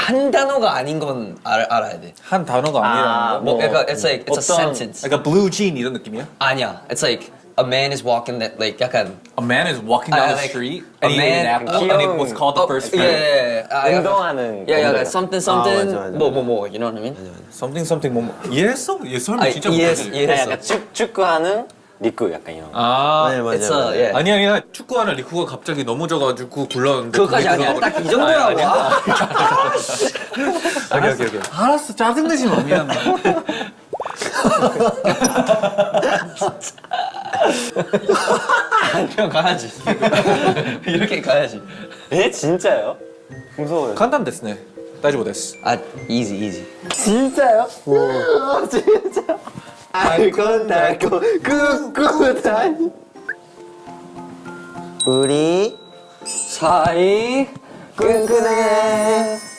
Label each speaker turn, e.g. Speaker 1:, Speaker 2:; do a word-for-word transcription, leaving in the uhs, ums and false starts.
Speaker 1: 한 단어가 아닌 건 알, 알아야 돼.
Speaker 2: 한 단어가 아니라는 거.
Speaker 1: 뭐, 그러니까 it's like it's a
Speaker 3: 어떤-
Speaker 1: sentence.
Speaker 2: 그러니까 blue jean 이런 느낌이야?
Speaker 1: 아니야. It's like a man is walking that like 약간
Speaker 2: A man is walking
Speaker 1: 아,
Speaker 2: down the
Speaker 1: like,
Speaker 2: street
Speaker 1: a
Speaker 2: and he ate an
Speaker 1: man-
Speaker 2: apple and it was called the first
Speaker 1: 예,
Speaker 2: fruit.
Speaker 1: 예, 예. 아, 약간-
Speaker 3: 운동하는
Speaker 1: 야, 야,
Speaker 3: 건가요?
Speaker 1: something something
Speaker 4: 맞아, 맞아.
Speaker 1: 뭐 뭐 뭐 you know what I mean?
Speaker 2: Something something 뭐 뭐. 이해했어? 얘 설명
Speaker 1: 아,
Speaker 2: 진짜
Speaker 1: 이해했어,
Speaker 2: 못하지.
Speaker 1: 이해했어.
Speaker 3: 약간 축, 축구하는 리크 약간 이런 거.
Speaker 2: 아,
Speaker 4: 네, 맞아요.
Speaker 1: It's a,
Speaker 4: 맞아요.
Speaker 1: 예.
Speaker 2: 아니 아니야 축구하는 리쿠가 갑자기 넘어져가지고 굴렀는데
Speaker 1: 그거까지
Speaker 2: 그게
Speaker 1: 아니야.
Speaker 2: 그거가-
Speaker 1: 딱 이 정도라고.
Speaker 2: 아니, 아니야.
Speaker 1: 아,
Speaker 2: 오케이 오케이 오케이.
Speaker 5: 알았어, 짜증내지 마, 미안해.
Speaker 1: 그냥 가야지. 이렇게 가야지.
Speaker 3: 에? 진짜요? 무서워요.
Speaker 2: 간단 됐네. 따지고 됐어.
Speaker 1: 아, easy, easy.
Speaker 3: 진짜요? 오. 진짜. 알고 달고 꿋꿋한
Speaker 4: 우리
Speaker 3: 사이 끈끈해